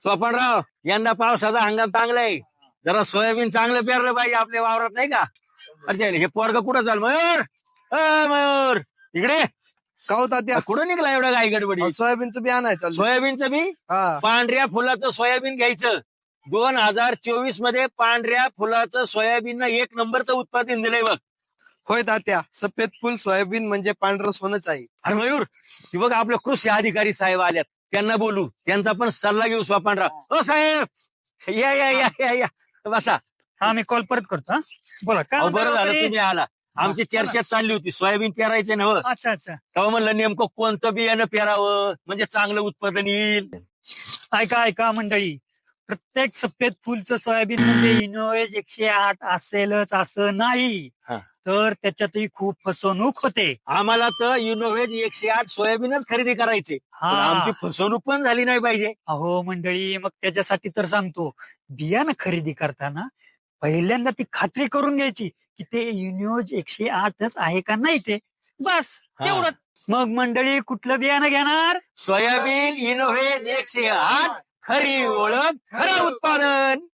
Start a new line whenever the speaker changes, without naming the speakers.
स्वपनराव, यंदा पावसाचा हंगाम चांगलाय. जरा सोयाबीन चांगलं पेरलं पाहिजे आपल्या वावरात, नाही का? अच्छा, हे पोरग कुठं चाल? मयूर, मयूर, इकडे.
का हो तात्या?
कुठं निघला एवढा गाई गडबडी?
सोयाबीनचं बियाणं आहे चालू.
सोयाबीनचं बी?
हा.
पांढऱ्या फुलाचं सोयाबीन घ्यायचं. 2024 मध्ये पांढऱ्या फुलाचं सोयाबीन एक नंबरचं उत्पादन दिलंय बघ.
होय तात्या, सफेद फुल सोयाबीन म्हणजे पांढरं सोनच आहे.
अरे मयूर, ती बघ आपले कृषी अधिकारी साहेब आल्यात, त्यांना बोलू, त्यांचा पण सल्ला घेऊ. स्वपनराव, ओ साहेब, या या या या या बसा.
हा, मी कॉल परत करतो. हा, बोला काय
अहो,
म्हणता
बरं झालं
व्यापारी?
तुम्ही आला. आमची चर्चा चालली होती सोयाबीन पेरायचे ना.
अच्छा अच्छा.
तेव्हा म्हणलं नेमकं कोणतं बियाणं पेरावं म्हणजे चांगलं उत्पादन येईल.
ऐका ऐका मंडळी, प्रत्येक सफेद फुलचं सोयाबीन म्हणजे इनोवेज 108 असेलच असं नाही,
हा.
तर त्याच्यातही खूप फसवणूक होते.
आम्हाला तर युनोव्हेज 108 सोयाबीनच खरेदी करायचे,
हा.
पण आमची फसवणूक पण झाली नाही पाहिजे.
अहो मंडळी, मग त्याच्यासाठी तर सांगतो, बियाणं खरेदी करताना पहिल्यांदा ती खात्री करून घ्यायची की ते युनिओज 108च आहे का नाही, ते बस
हा.
तेवढंच. मग मंडळी, कुठलं बियाणं घेणार?
सोयाबीन युनोव्हेज 108, खरी ओळख, खरं उत्पादन.